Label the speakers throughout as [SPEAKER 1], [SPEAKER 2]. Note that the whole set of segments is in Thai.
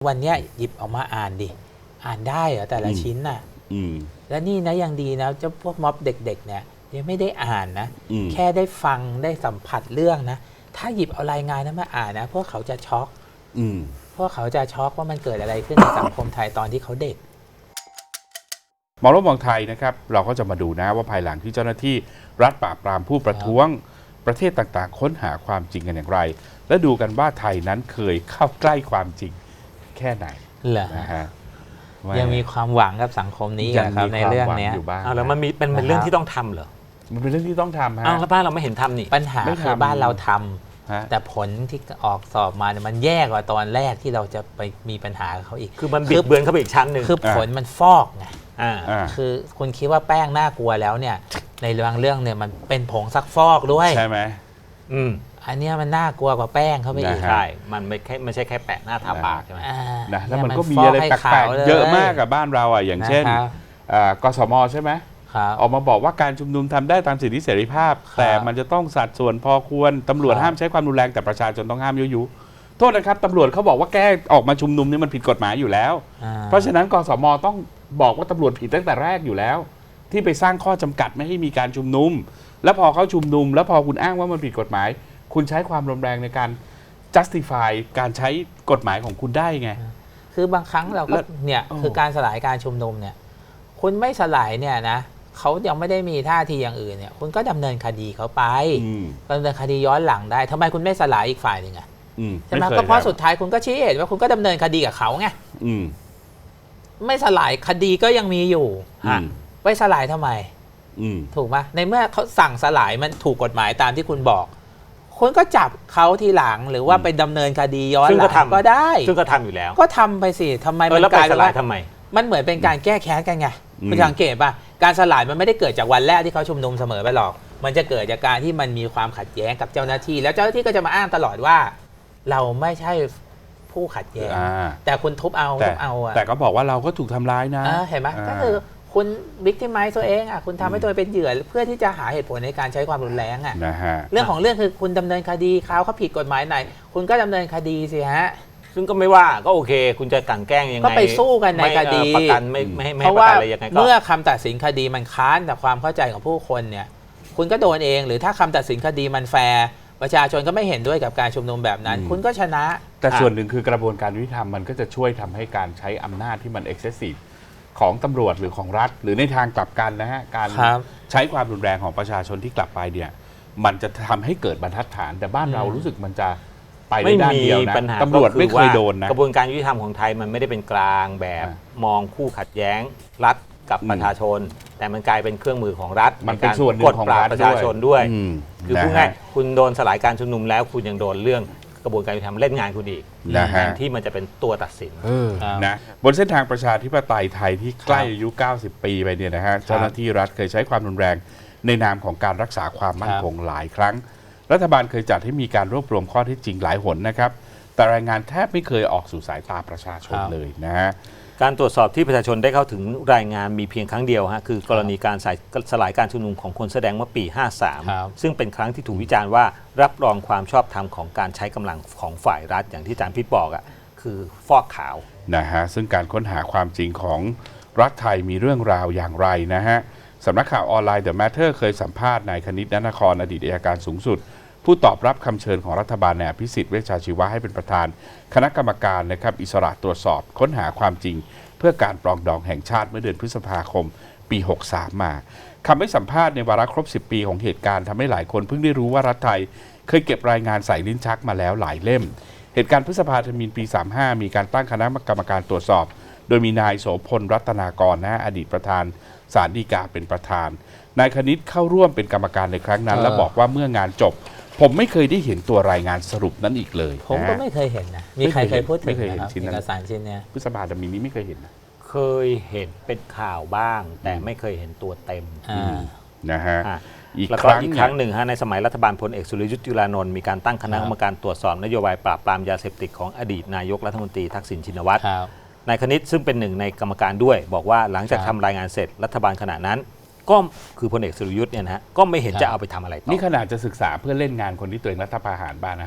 [SPEAKER 1] วันเนี้ยหยิบออกมาอ่านดิอ่านได้เหรอแต่ละชิ้นน่ะและนี่นะยังดีนะเจ้าพวกม็อบเด็กๆเนี่ยยังไม่ได้อ่านนะแค่ได้ฟังได้สัมผัสเรื่องนะถ้าหยิบเอารายงานนั้นมาอ่านนะพวกเขาจะช็อกพวกเขาจะช็อกว่ามันเกิดอะไรขึ้นในสังคมไทยตอนที่เขาเด็ก
[SPEAKER 2] มองโลกมองไทยนะครับเราก็จะมาดูนะว่าภายหลังที่เจ้าหน้าที่รัฐปราบปรามผู้ประท้วงประเทศต่างๆค้นหาความจริงกันอย่างไรและดูกันว่าไทยนั้นเคยเข้าใกล้ความจริงแค่ไหนนะฮะ
[SPEAKER 1] ยังมีความหวังกับสังคมนี้ครับในเรื่องนี้
[SPEAKER 3] แล้วมันเป็นเรื่องที่ต้องทำเหรอ
[SPEAKER 2] มันเป็นเรื่องที่ต้องทำฮะ
[SPEAKER 3] แล้วบ้านเราไม่เห็นทำนี่
[SPEAKER 1] ปัญหาคือบ้านเราทำแต่ผลที่ออกสอบมาเนี่ยมันแย่กว่าตอนแรกที่เราจะไปมีปัญหากับเขาอีก
[SPEAKER 3] คือมันบิดเบือนเข้าไปอีกชั้นหนึ่ง
[SPEAKER 1] คือผลมันฟอกไงคือคุณคิดว่าแป้งน่ากลัวแล้วเนี่ยในเรื่องเนี่ยมันเป็นผงซักฟอกด้วย
[SPEAKER 2] ใช่ไหม
[SPEAKER 1] อันนี้มันน่ากลัวกว่าแป้งเขาไปอีก
[SPEAKER 3] ใช่มันไม่ใช่แค่แปะหน้าทาปากใช่ไหม
[SPEAKER 2] นะแล้วมันก็มีอะไรแปลกๆเยอะมากกับบ้านเราอ่ะอย่างเช่นกสม.ใช่ไหมออกมาบอกว่าการชุมนุมทำได้ตามสิทธิเสรีภาพแต่มันจะต้องสัดส่วนพอควรตำรวจห้ามใช้ความรุนแรงแต่ประชาชนต้องห้ามยุโทษนะครับตำรวจเขาบอกว่าแก้ออกมาชุมนุมนี่มันผิดกฎหมายอยู่แล้วเพราะฉะนั้นกสม.ต้องบอกว่าตำรวจผิดตั้งแต่แรกอยู่แล้วที่ไปสร้างข้อจำกัดไม่ให้มีการชุมนุมแล้วพอเขาชุมนุมแล้วพอคุณอ้างว่ามันผิดกฎหมายคุณใช้ความรุนแรงในการ justify การใช้กฎหมายของคุณได้ไง
[SPEAKER 1] คือบางครั้งเราก็เนี่ยคือการสลายการชุมนุมเนี่ยคุณไม่สลายเนี่ยนะเขายังไม่ได้มีท่าทีอย่างอื่นเนี่ยคุณก็ดำเนินคดีเขาไปดำเนินคดีย้อนหลังได้ทำไมคุณไม่สลายอีกฝ่ายหนึ่งใช่ไหมก็เพราะสุดท้ายคุณก็ชี้เหตุว่าคุณก็ดำเนินคดีกับเขาไงไม่สลายคดีก็ยังมีอยู่ไปสลายทำไมถูกไหมในเมื่อเขาสั่งสลายมันถูกกฎหมายตามที่คุณบอกคุณก็จับเขาทีหลังหรือว่าไปดำเนินคดีย้อนหลังก็ได้
[SPEAKER 3] ซึ่งก็ทำอยู่แล้ว
[SPEAKER 1] ก็ทำไปสิทำไม
[SPEAKER 3] มันกลายเป็นว่าทำไม
[SPEAKER 1] มันเหมือนเป็นการแก้แค้นกันไงคุณสังเกตป่ะการสลายมันไม่ได้เกิดจากวันแรกที่เขาชุมนุมเสมอไปหรอกมันจะเกิดจากการที่มันมีความขัดแย้งกับเจ้าหน้าที่แล้วเจ้าหน้าที่ก็จะมาอ้างตลอดว่าเราไม่ใช่ผู้ขัดแย้งแต่คุณทุบเอา
[SPEAKER 2] แต่ก็บอกว่าเราก็ถูกทำร้ายนะ
[SPEAKER 1] เห็นไหมก็คือคุณวิกติมไมซ์ตัวเองคุณทำให้ตัวเป็นเหยื่อเพื่อที่จะหาเหตุผลในการใช้ความรุนแรงเรื่องของเรื่องคือคุณดำเนินคดีเขาผิดกฎหมายไหนคุณก็ดำเนินคดีสิฮะ
[SPEAKER 3] ซึ่งก็ไม่ว่าก็โอเคคุณจะกลั่นแกล้งยังไง
[SPEAKER 1] ก็ไปสู้กันในคดี
[SPEAKER 3] ประกันไม่ให้ประกันอะไรยังไงก็
[SPEAKER 1] เมื่อคำตัดสินคดีมันค้านแต่ความเข้าใจของผู้คนเนี่ยคุณก็โดนเองหรือถ้าคำตัดสินคดีมันแฟร์ประชาชนก็ไม่เห็นด้วยกับการชุมนุมแบบนั้นคุณก็ชนะ
[SPEAKER 2] แต่ส่วนหนึ่งคือกระบวนการยุติธรรมมันก็จะช่วยทำให้การใช้อำนาจที่มัน excessive ของตำรวจหรือของรัฐหรือในทางกลับกันนะฮะการใช้ความรุนแรงของประชาชนที่กลับไปเนี่ยมันจะทำให้เกิดบรรทัดฐานแต่บ้านเรารู้สึกมันจะไปในด้านเดียวนะตำรวจไม่เคยโดนนะ
[SPEAKER 3] กระบวนการยุติธรรมของไทยมันไม่ได้เป็นกลางแบบมองคู่ขัดแย้งรัฐกับประชาชนแต่มันกลายเป็นเครื่องมือของรัฐ
[SPEAKER 2] มันเป็นส่วนหนึ่งของรัฐ
[SPEAKER 3] ประชาชนด้วยคือพูดง่ายคุณโดนสลายการชุมนุมแล้วคุณยังโดนเรื่องกระบวนการยุติธรรมเล่นงานคุณอีกแทนที่มันจะเป็นตัวตัดสิน
[SPEAKER 2] นะบนเส้นทางประชาธิปไตยไทยที่ใกล้อายุ90 ปีไปเนี่ยนะฮะเจ้าหน้าที่รัฐเคยใช้ความรุนแรงในนามของการรักษาความมั่นคงหลายครั้งรัฐบาลเคยจัดให้มีการรวบรวมข้อเท็จจริงหลายหนนะครับแต่รายงานแทบไม่เคยออกสู่สายตาประชาชนเลยนะฮะ
[SPEAKER 3] การตรวจสอบที่ประชาชนได้เข้าถึงรายงานมีเพียงครั้งเดียวคือกรณีการสลายการชุมนุมของคนแสดงเมื่อปี 53 ซึ่งเป็นครั้งที่ถูกวิจารณ์ว่ารับรองความชอบธรรมของการใช้กำลังของฝ่ายรัฐอย่างที่อาจารย์พิษบอกคือฟอกขาว
[SPEAKER 2] นะฮะซึ่งการค้นหาความจริงของรัฐไทยมีเรื่องราวอย่างไรนะฮะสำนักข่าวออนไลน์ The Matter เคยสัมภาษณ์นายคณิต ณนครอดีตอัยการสูงสุดผู้ตอบรับคำเชิญของรัฐบาลนายอภิสิทธิ์เวชชาชีวะให้เป็นประธานคณะกรรมการนะครับอิสระตรวจสอบค้นหาความจริงเพื่อการปรองดองแห่งชาติเมื่อเดือนพฤษภาคมปี 63 มาคำให้สัมภาษณ์ในวาระครบ 10 ปีของเหตุการณ์ทำให้หลายคนเพิ่งได้รู้ว่ารัฐไทยเคยเก็บรายงานใส่ลิ้นชักมาแล้วหลายเล่มเหตุการณ์พฤษภาธมิฬปี 35 มีการตั้งคณะกรรมการตรวจสอบโดยมีนายโสพลรัตนากรอดีตประธานศาลฎีกาเป็นประธานนายคณิตเข้าร่วมเป็นกรรมการในครั้งนั้นและบอกว่าเมื่องานจบผมไม่เคยได้เห็นตัวรายงานสรุปนั้นอีกเลย
[SPEAKER 1] ผมก็ไม่เคยเห็นนะมีใครเคยพูดถึงเอกสารชิ้นนี้
[SPEAKER 2] พฤษภาธมิฬนี้ไม่เคยเห็นนะ
[SPEAKER 3] เคยเห็นเป็นข่าวบ้างแต่ไม่เคยเห็นตัวเต็ม
[SPEAKER 2] นะฮะ
[SPEAKER 3] อีกครั้งหนึ่งในสมัยรัฐบาลพลเอกสุรยุทธ์จุลานนท์มีการตั้งคณะกรรมการตรวจสอบนโยบายปราบปรามยาเสพติดของอดีตนายกรัฐมนตรีทักษิณชินวัตรนายคณิตซึ่งเป็นหนึ่งในกรรมการด้วยบอกว่าหลังจากทำรายงานเสร็จรัฐบาลขณะนั้นก็คือพลเอกสุรยุทธ์เนี่ยนะฮะก็ไม่เห็นจะเอาไปทำอะไรต่อ
[SPEAKER 2] นี่ขนาดจะศึกษาเพื่อเล่นงานคนที่ตัวเองรัฐประหารบ้างนะฮะ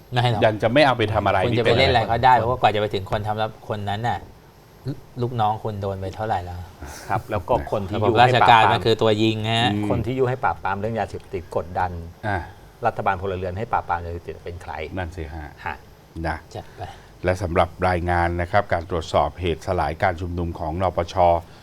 [SPEAKER 1] ไม่หรอก
[SPEAKER 2] ยังจะไม่เอาไปทำอะไร
[SPEAKER 1] คุณจะไปเล่นอะไรก็ได้เพราะว่ากว่าจะไปถึงคนทำแล้วคนนั้นน่ะลูกน้องคุณโดนไปเท่าไหร่แล้ว
[SPEAKER 3] ครับแล้วก็คนที่
[SPEAKER 1] ระบ
[SPEAKER 3] ยุ
[SPEAKER 1] บรา
[SPEAKER 3] ให้
[SPEAKER 1] ช
[SPEAKER 3] ปราบ
[SPEAKER 1] การ
[SPEAKER 3] ปรา
[SPEAKER 1] มัน
[SPEAKER 3] ม
[SPEAKER 1] คือตัวยิงฮะ
[SPEAKER 3] คนที่ยุให้ปราบปรามเรื่องยาเสพติดกดดัน
[SPEAKER 2] อ่ะ
[SPEAKER 3] รัฐบาลพลเรือนให้ปราบปรามยาเสพติดเป็นใคร
[SPEAKER 2] นั่นสิฮะ
[SPEAKER 3] ฮะ
[SPEAKER 2] นะ
[SPEAKER 1] จัดไป
[SPEAKER 2] และสำหรับรายงานนะครับการตรวจสอบเหตุสลายการชุมนุมของนปช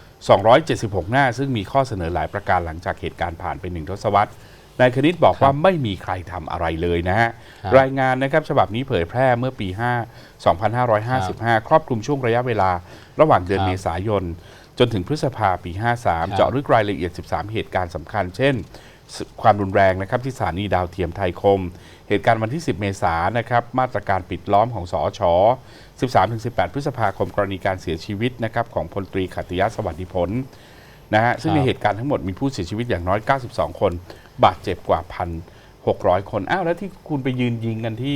[SPEAKER 2] 276 หน้า ซึ่งมีข้อเสนอหลายประการหลังจากเหตุการณ์ผ่านไป1 ทศวรรษนายคณิตบอกว่าไม่มีใครทำอะไรเลยนะฮะ
[SPEAKER 1] ครับ
[SPEAKER 2] รายงานนะครับฉบับนี้เผยแพร่เมื่อปี 2555 ครอบคลุมช่วงระยะเวลาระหว่างเดือน
[SPEAKER 1] ครับ
[SPEAKER 2] เมษายน จนถึงพฤษภาปี 53 เจาะลึกรายละเอียด 13 เหตุการณ์สำคัญ เช่น ความรุนแรงนะครับที่สถานีดาวเทียมไทยคม เหตุการณ์วันที่ 10 เมษายนนะครับมาตรการปิดล้อมของสอช 13-18 พฤษภาคมกรณีการเสียชีวิตนะครับของพลตรีขัตติยะสวัสดิผลนะฮะซึ่งในเหตุการณ์ทั้งหมดมีผู้เสียชีวิตอย่างน้อย 92 คน บาดเจ็บกว่า 1,600 คนอ้าวแล้วที่คุณไปยืนยิงกันที่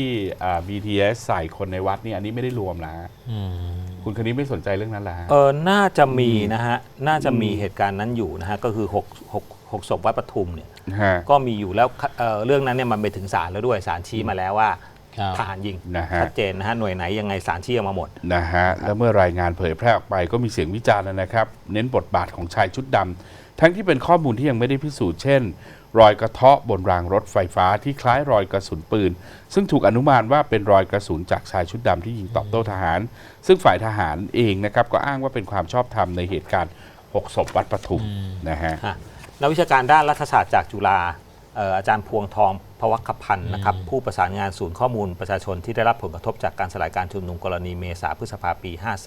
[SPEAKER 2] BTS ใส่คนในวัดนี่อันนี้ไม่ได้รวมนะ
[SPEAKER 1] อืม
[SPEAKER 2] คุณคนนี้ไม่สนใจเรื่องนั้นละ
[SPEAKER 3] น่าจะมีนะฮะน่าจะมีเหตุการณ์นั้นอยู่นะฮะก็คือ6ศพวัดปทุมเนี่ย
[SPEAKER 2] ฮะ
[SPEAKER 3] ก็มีอยู่แล้วเรื่องนั้นเนี่ยมันไปถึงศาลแล้วด้วยศาลชี้มาแล้วว่า
[SPEAKER 1] ครับ
[SPEAKER 3] ทหารยิง
[SPEAKER 2] นะฮะ
[SPEAKER 3] ชัดเจนนะฮะหน่วยไหนยังไงศาลชี้ออกมาหมด
[SPEAKER 2] นะฮะแล้วเมื่อรายงานเผยแพร่ออกไปก็มีเสียงวิจารณ์นะครับ เน้นบทบาทของชายชุดดำทั้งที่เป็นข้อมูลที่ยังไม่ได้พิสูจน์เช่น รอยกระเทาะบนรางรถไฟฟ้าที่คล้ายรอยกระสุนปืน ซึ่งถูกอนุมานว่าเป็นรอยกระสุนจากชายชุดดำที่ยิงตอบโต้ทหาร ซึ่งฝ่ายทหารเองนะครับก็อ้างว่าเป็นความชอบธรรมในเหตุการณ์6 ศพวัดปทุมนะฮะ
[SPEAKER 3] นักวิชาการด้านรัฐศาสตร์จากจุฬาอาจารย์พวงทองพวัคพันธ์นะครับผู้ประสานงานศูนย์ข้อมูลประชาชนที่ได้รับผลกระทบจากการสลายการชุมนุมกรณีเมษาพฤษภาปี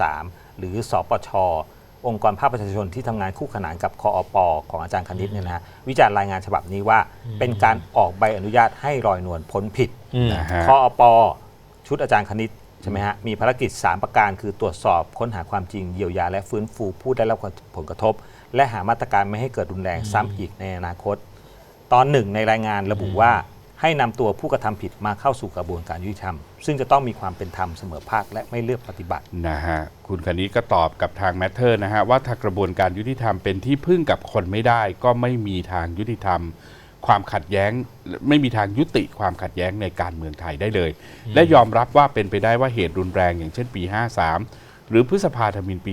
[SPEAKER 3] 53 หรือสปช องค์กรภาคประชาชนที่ทำงานคู่ขนานกับคอปของอาจารย์คณิตเนี่ยนะฮะวิจารณ์รายงานฉบับนี้ว่าเป็นการออกใบอนุญาตให้ลอยนวลพ้นผิด
[SPEAKER 2] นะฮะ
[SPEAKER 3] คอปชุดอาจารย์คณิตใช่ไหมฮะมีภารกิจ 3 ประการคือตรวจสอบค้นหาความจริงเยียวยาและฟื้นฟูผู้ได้รับผลกระทบ และหามาตรการไม่ให้เกิดรุนแรงซ้ำอีกในอนาคต ตอนหนึ่งในรายงานระบุว่าให้นำตัวผู้กระทำผิดมาเข้าสู่กระบวนการยุติธรรม ซึ่งจะต้องมีความเป็นธรรมเสมอภาคและไม่เลือกปฏิบัติ
[SPEAKER 2] นะฮะคุณคณิตก็ตอบกับทางแมทเทอร์นะฮะว่าถ้ากระบวนการยุติธรรมเป็นที่พึ่งกับคนไม่ได้ก็ไม่มีทางยุติธรรม ความขัดแย้งไม่มีทางยุติความขัดแย้งในการเมืองไทยได้เลย และยอมรับว่าเป็นไปได้ว่าเหตุรุนแรงอย่างเช่นปี 53 หรือพฤษภาธมิฬปี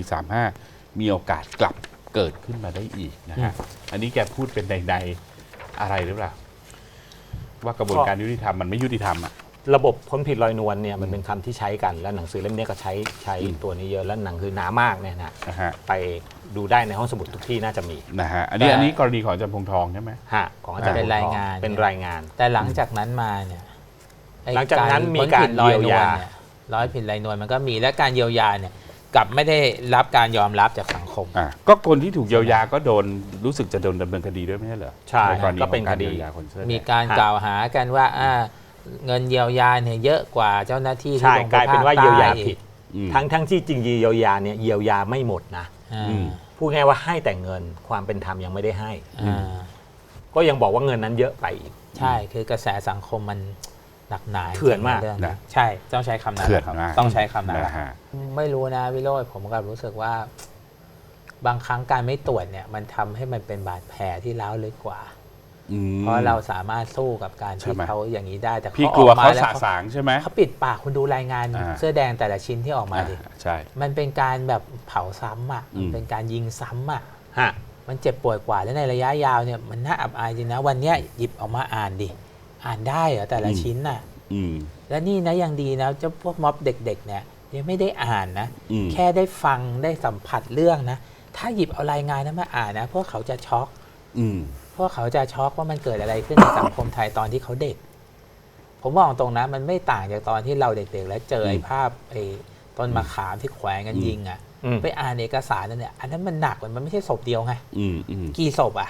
[SPEAKER 2] 35 มีโอกาสกลับเกิดขึ้นมาได้อีกนะฮะอันนี้แกพูดเป็นในอะไรหรือเปล่าว่ากระบวนการยุติธรรมมันไม่ยุติธรรมอ่ะ
[SPEAKER 3] ระบบพ้นผิดลอยนวลเนี่ยมันเป็นคำที่ใช้กันและหนังสือเล่มนี้ก็ใช้ตัวนี้เยอะและหนังคือหนามากเนี่ยนะ
[SPEAKER 2] นะฮะ
[SPEAKER 3] ไปดูได้ในห้องสมุดทุกที่น่าจะมี
[SPEAKER 2] นะฮะอันนี้กรณีของอาจารย์พงษ์ทองใช่ไหม
[SPEAKER 3] ฮะของอาจารย์
[SPEAKER 1] เป็นรายงาน
[SPEAKER 3] เป็นรายงาน
[SPEAKER 1] แต่หลังจากนั้นมาเนี่ยไอ้
[SPEAKER 3] หลังจากนั้นมีการ
[SPEAKER 1] พ้นผิดลอย
[SPEAKER 3] เยียวน
[SPEAKER 1] วล
[SPEAKER 3] ยา
[SPEAKER 1] เนี่ยร้อยผิดลอยนวลมันก็มีและการเยียวยาเนี่ยกลับไม่ได้รับการยอมรับจากสังคม
[SPEAKER 2] ก็คนที่ถูกเยียวยาก็โดนรู้สึกจะโดนดำเนินคดีด้วยไม่ใช่เหรอ
[SPEAKER 3] ใช่
[SPEAKER 2] กรณี
[SPEAKER 3] ก็เป็น
[SPEAKER 2] ของการ
[SPEAKER 3] คดี
[SPEAKER 2] เยียวยาคนเสื้อแดง
[SPEAKER 1] มีการกล่าวหากันว่าเงินเยียวยาเนี่ยเยอะกว่าเจ้าหน้าที่ที่
[SPEAKER 3] ใช่
[SPEAKER 1] ลงไป
[SPEAKER 3] กลายเป็นว่า
[SPEAKER 1] ภคใต้
[SPEAKER 3] เยียวยาผิด
[SPEAKER 2] อืม
[SPEAKER 3] ทั้งที่จริงเยียวยาเนี่ยเยียวยาไม่หมดนะ
[SPEAKER 1] อ่า
[SPEAKER 2] อืม
[SPEAKER 3] พูดง่ายว่าให้แต่เงินความเป็นธรรมยังไม่ได้ให้
[SPEAKER 1] อ่า
[SPEAKER 3] ก็ยังบอกว่าเงินนั้นเยอะไปอีก
[SPEAKER 1] ใช่คือกระแสสังคมมันหนักหนา
[SPEAKER 3] เถื่อนมาก
[SPEAKER 1] เรื่อง
[SPEAKER 2] นะ
[SPEAKER 1] ใช่ต้องใช้คำนั้น
[SPEAKER 2] เถื่อน
[SPEAKER 1] ครับ
[SPEAKER 2] มาก
[SPEAKER 1] ต้องใช้คำนั้น
[SPEAKER 2] นะฮะ
[SPEAKER 1] ไม่รู้นะวิโรจน์ผมก็รู้สึกว่า บางครั้งการไม่ตรวจเนี่ย มันทำให้มันเป็นบาดแผลที่ร้าวลึกกว่า
[SPEAKER 2] อืม
[SPEAKER 1] เพราะเราสามารถสู้กับการ
[SPEAKER 2] ใช่
[SPEAKER 1] ที่
[SPEAKER 2] ไหม
[SPEAKER 1] เขาอย่างนี้ได้แต่
[SPEAKER 2] พี่
[SPEAKER 1] เขา
[SPEAKER 2] กลัว
[SPEAKER 1] ออกมา
[SPEAKER 2] เขา
[SPEAKER 1] แล้ว
[SPEAKER 2] สะสางใช่ไหม
[SPEAKER 1] เขาปิดปากคุณดูรายงาน
[SPEAKER 2] อ่า
[SPEAKER 1] เสื้อแดงแต่ละชิ้นที่ออกมาดิ
[SPEAKER 2] ใช่
[SPEAKER 1] มันเป็นการแบบเผาซ้ำอ่ะ
[SPEAKER 2] อืม
[SPEAKER 1] มันเป็นการยิงซ้ำอ่ะ
[SPEAKER 3] ฮะ
[SPEAKER 1] มันเจ็บปวดกว่าและในระยะยาวเนี่ยมันน่าอับอายจริงนะวันเนี้ยหยิบออกมาอ่านดิอ่านได้เหรอแต่ละชิ้นน่ะ
[SPEAKER 2] อืม
[SPEAKER 1] และนี่นะยังดีนะเจ้าพวกม็อบเด็กๆเนี่ยยังไม่ได้อ่านนะ
[SPEAKER 2] อืม
[SPEAKER 1] แค่ได้ฟังได้สัมผัสเรื่องนะ ถ้าหยิบเอารายงานนั้นมาอ่านนะพวกเขาจะช็อก
[SPEAKER 2] อืม
[SPEAKER 1] พวกเขาจะช็อกว่ามันเกิดอะไรขึ้นในสังคมไทยตอนที่เขาเด็ก ผมมองตรงนะมันไม่ต่างจากตอนที่เราเด็กๆ แล้วเจอไอ้ภาพไอ้ต้นมะขามที่แขวนกันยิงอ่ะ
[SPEAKER 3] อืม
[SPEAKER 1] ไปอ่านเอกสารนั่นเนี่ยอันนั้นมันหนักกว่ามันไม่ใช่ศพเดียวไง
[SPEAKER 2] อืมอืม
[SPEAKER 1] กี่ศพอ่ะ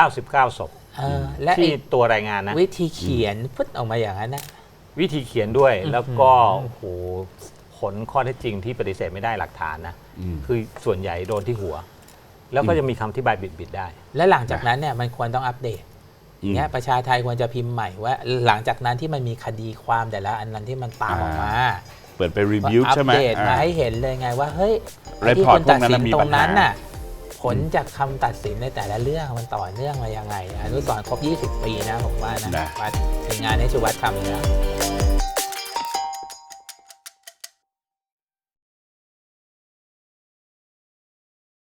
[SPEAKER 3] 99 ศพ
[SPEAKER 1] และ
[SPEAKER 3] ที่
[SPEAKER 1] ไอ้
[SPEAKER 3] ตัวรายงานนะ
[SPEAKER 1] วิธีเขียนพุทออกมาอย่างนั้นนะ
[SPEAKER 3] วิธีเขียนด้วย
[SPEAKER 1] อืม
[SPEAKER 3] แล้วก็โอ้โหผลข้อเท็จจริงที่ปฏิเสธไม่ได้หลักฐานนะ
[SPEAKER 2] อืม
[SPEAKER 3] คือส่วนใหญ่โดนที่หัว แล้วก็จะมีคำอธิบายบิดๆได้
[SPEAKER 1] และหลังจากนั้นเนี่ยมันควรต้องอัปเดต เนี่ยประชาไทยควรจะพิมพ์ใหม่ว่า หลังจากนั้นที่มันมีคดีความแต่ละอันนั้นที่มันตามออกมา
[SPEAKER 2] เปิดไปรีวิว
[SPEAKER 1] อัป
[SPEAKER 2] ใช่ไหม
[SPEAKER 1] เดตมาให้เห็นเลยไงว่าเฮ้ย
[SPEAKER 2] report
[SPEAKER 1] ที่คนตัดสิน
[SPEAKER 2] พวกนั้นมี
[SPEAKER 1] ตร
[SPEAKER 2] ปั
[SPEAKER 1] ง
[SPEAKER 2] ญหา
[SPEAKER 1] นั้นน่ะผลจากคำตัดสินในแต่ละเรื่องมันต่อเนื่องมายังไงอนุสรณ์ครบ 20 ปีนะผมว่านะมาถึงงานให้ชูวัฒน์ทำเนี่ย